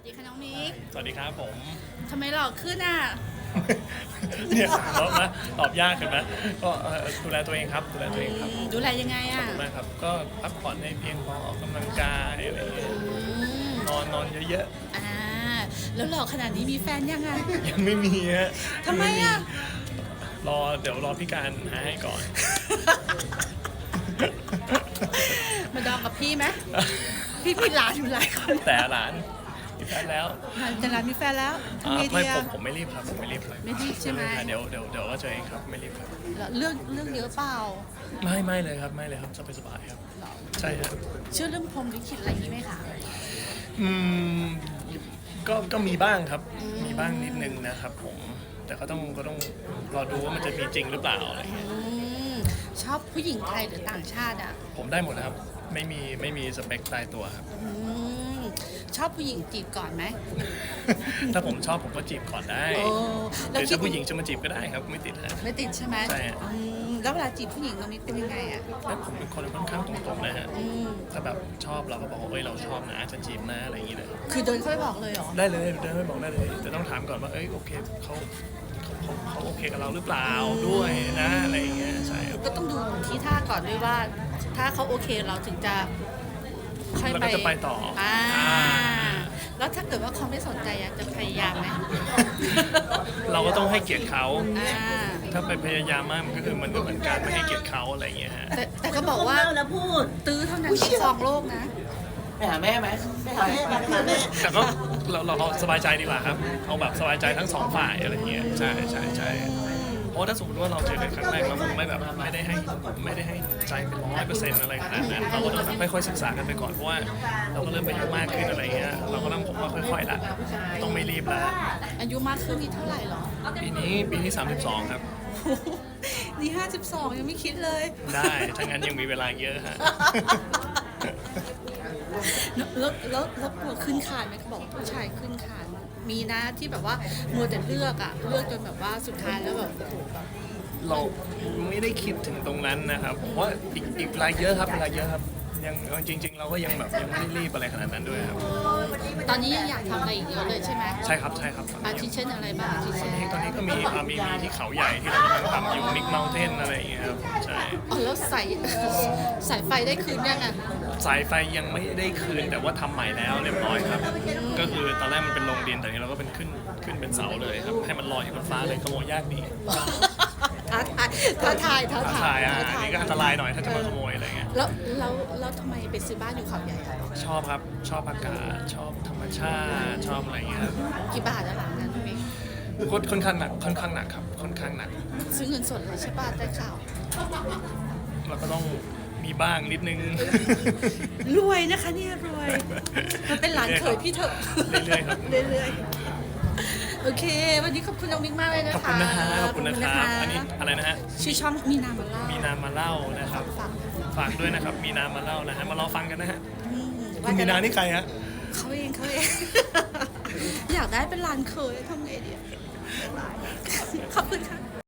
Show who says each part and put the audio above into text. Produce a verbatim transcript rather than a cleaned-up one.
Speaker 1: ดีค่ะน้องมิก
Speaker 2: สวัสดีครับผม
Speaker 1: ทำไมหล่อขึ้นอ่ะ
Speaker 2: เนี่ยตอบนะตอบยากเห็นไหมก็เอ่อดูแลตัวเองครับดูแลตัวเองครับ
Speaker 1: อืมดูแลยังไง
Speaker 2: ขอบ
Speaker 1: อ่ะ
Speaker 2: คุณมากครับก็พักผ่อนให้เพียงพอออกกำลังกายอะไรอย่างเงี้ย
Speaker 1: อืม
Speaker 2: นอนนอนเยอะ
Speaker 1: อ่าแล้วหล่อขนาดนี้มีแฟนยังไง
Speaker 2: ๆยังไม่มีฮะ
Speaker 1: ทำไมอ่ะ
Speaker 2: รอเดี๋ยวรอพี่การหาให้ก่อน
Speaker 1: มาดองกับพี่ไหมพี่พี่หลานอยู่หลายคน
Speaker 2: แต่หลานมีแฟนแล้ว
Speaker 1: แต่หลานมีแฟนแล้วทำ
Speaker 2: อ่า
Speaker 1: ไง
Speaker 2: ไม่
Speaker 1: ดี
Speaker 2: ผ
Speaker 1: อ่ะ
Speaker 2: มผมไม่รีบครับผมไม่รีบครับ
Speaker 1: ไม่รีบใช่ไหม
Speaker 2: เดี๋ยวเดี๋ยวเดี๋ยวว่าเจอเองครับไม่รีบครับ
Speaker 1: แล้วเรื่องเรื่องเยอะเปล่า
Speaker 2: ไม่ไม่เลยครับไม่เลยครับสบายสบายๆครับ
Speaker 1: หรอ
Speaker 2: ใช่ครับ
Speaker 1: เชื่อเรื่องพรหมลิขิตอะไรอย่างนี้ไหมคะ
Speaker 2: อืมก็ก็มีบ้างครับ มีบ้างนิดนึงนะครับผม แต่ก็ต้องก็ต้องรอดูว่ามันจะมีจริงหรือเปล่าอะไรเงี้ย
Speaker 1: อืมชอบผู้หญิงไทยหรือต่างชาติอ่ะ
Speaker 2: ผมได้หมดนะครับ ไม่มีไม่มีสเปคตายตัวครับ
Speaker 1: อืมชอบผู้หญิงจีบก่อนไหม
Speaker 2: ถ้าผมชอบผมก็จีบก่อนได้
Speaker 1: โอ้
Speaker 2: ห
Speaker 1: แล้ว
Speaker 2: รือ
Speaker 1: คิด
Speaker 2: ถ้าผู้หญิงจะมาจีบก็ได้ครับ ไม่ติดฮะ
Speaker 1: ไม่ติดใช่ไหม
Speaker 2: ใช่ฮะ
Speaker 1: อืมแล้วเวลาจีบผู้หญิงตรงนี้เป็นยังไงอ่ะ
Speaker 2: แล้วผมเป็นคนค่อนข้างตรงๆนะฮะ
Speaker 1: อืม
Speaker 2: ถ้าแบบชอบเราก็บอกว่าเอ้ยเราชอบนะจะจีบนะอะไรอย่างเงี้ยเลย
Speaker 1: คือเดินเข้าไปบอกเลยเหรอ
Speaker 2: ได้เลยเดินไปบอกได้เลยแต่ต้องถามก่อนว่าเอ้ยโอเคเขาเขาเขาเขาโอเคกับเราหรือเปล่าด้วยนะอะไรอย่างเงี้ยใช่ครับ
Speaker 1: ก็ต้องดูที่ท่าก่อนด้วยว่า ถ้าเขาโอเคเราถึงจะค่อย
Speaker 2: แล้ว
Speaker 1: ไป
Speaker 2: ก็จะไปต่ออ่
Speaker 1: อ่า
Speaker 2: อ่า
Speaker 1: แล้วถ้าเกิดว่าเขาไม่สนใจอะจะพยายามไหม
Speaker 2: เราก็ต้องให้เกียรติเขา
Speaker 1: อ่า
Speaker 2: ถ้าไปพยายามมากมันก็คือมันก็เหมือนการไม่ให้เกียรติเขาอะไรอย่างเงี้ยฮะ
Speaker 1: แต่แต่ก็บอกว่า
Speaker 3: เล่าแล้วพูด
Speaker 1: ตื้อเท่านั้นที่ครองโลกนะ
Speaker 3: ไปหาแม่ไหมไปหาแม่ไปหาแม่
Speaker 2: แต่ก็เราเราเอาสบายใจดีกว่าครับ เอาแบบสบายใจทั้งสองฝ่ายอะไรอย่างเงี้ยใช่ใช่ใช่เพราะถ้าสมมติว่าเราเจอกันครั้งแรกแล้วผมไม่แบบไม่ได้ให้ไม่ได้ให้ใจเป็นร้อยเปอร์เซ็นต์อะไรขนาดนั้นเราก็ต้องค่อยๆศึกษากันไปก่อนเพราะว่าเราก็เริ่มอายุมากขึ้นอะไรเงี้ยเราก็ต้องผมว่าค่อยๆละต้องไม่รีบละ
Speaker 1: อายุมากขึ้นนี่เท่าไหร่หรอ
Speaker 2: ปีนี้ปีนี้สามสิบสองครับ
Speaker 1: นี่ห้าสิบสองยังไม่คิดเลย
Speaker 2: ได้ถ้างั้นยังมีเวลาเยอะฮะ
Speaker 1: แล้วแล้วแล้วกลัวขึ้นคานไหมเขาบอกว่าผู้ชายขึ้นคานมีนะที่แบบว่ามัวแต่เลือกอะเลือกจนแบบว่าสุดท้ายแล้วแบบโอ้โหแบบ
Speaker 2: เราไม่ได้คิดถึงตรงนั้นนะครับผมว่าอีกอีกเวลาเยอะครับเวลาเยอะครับยังจริง ๆ เราก็ยังแบบยังไม่ได้รีบอะไรขนาดนั้นด้วยครับ
Speaker 1: ตอนนี้ยังอยากทำอะไรอีกเยอะเลยใช่ไหม
Speaker 2: ใช่ครับใช่ครับตอน
Speaker 1: อา
Speaker 2: นี้
Speaker 1: ทิเช่นอะไรบ้างอาทิ
Speaker 2: ต
Speaker 1: เช่
Speaker 2: อน
Speaker 1: น
Speaker 2: นี้ตอนนี้ก็มีอ่ามีมีที่เขาใหญ่ที่เรากำลังทำอยู่มิกเมลเทนอะไรอย่างเงี้ยครับใช่
Speaker 1: อ๋อแล้วสาย สายไฟได้คืนยังอะ
Speaker 2: สายไฟยังไม่ได้คืนแต่ว่าทำใหม่แล้วเรียบร้อยครับ ก็คือตอนแรกมันเป็นโรงดินแต่นี้เราก็เป็นขึ้นขึ้นเป็นเสาเลยครับให้มันลอยอยู่บนฟ้าเลยขโมยยากดี
Speaker 1: ท้าทายท้าทายท้า
Speaker 2: ท้า
Speaker 1: ทา
Speaker 2: ทาย
Speaker 1: ย
Speaker 2: อ่ะ
Speaker 1: ท้า
Speaker 2: อัน
Speaker 1: ทาย
Speaker 2: นี้ก็อันตรายหน่อยถ้าจะมาขโมยอะไรเงี้ย
Speaker 1: แล้วแล้วแล้วทำไมไปซื้อบ้านอยู่เขาใหญ่อะ
Speaker 2: ชอบครับชอบอากาศชอบธรรมชาติชอบอะไรเงี้ยครับ
Speaker 1: กี่บาทอะหลังนั้นพี่
Speaker 2: ค่อนค่อนข้างหนักค่อนข้างหนักครับค่อนข้างหนัก
Speaker 1: ซื้อเงินสดเลยใช่ป่ะได้ข่าว
Speaker 2: เราก็ต้องมีบ้างนิดนึง
Speaker 1: รวยนะคะเนี่ยรวยมันเป็นหลานเขยพี่เถอะ
Speaker 2: เรื่อยๆครับ
Speaker 1: เรื่อยๆโอเค วันนี้ขอบคุณน้องมิกมากเลยนะคะ
Speaker 2: ขอบคุณนะฮะขอบคุณนะครับ
Speaker 1: ข
Speaker 2: อันนี้อะไรนะฮะ
Speaker 1: ชื่อช่องมีนามาเล่า
Speaker 2: มีนามาเล่านะครับ
Speaker 1: ฝาก
Speaker 2: ฝากด้วยนะครับ มีนามาเล่านะฮะ มารอฟังกันนะฮะ
Speaker 1: อืม
Speaker 2: คุณมีนานี่ใครฮะ
Speaker 1: เขาเองเขาเอง อยากได้เป็นหลานเขยทำไงดีอะขอบคุณค่ะ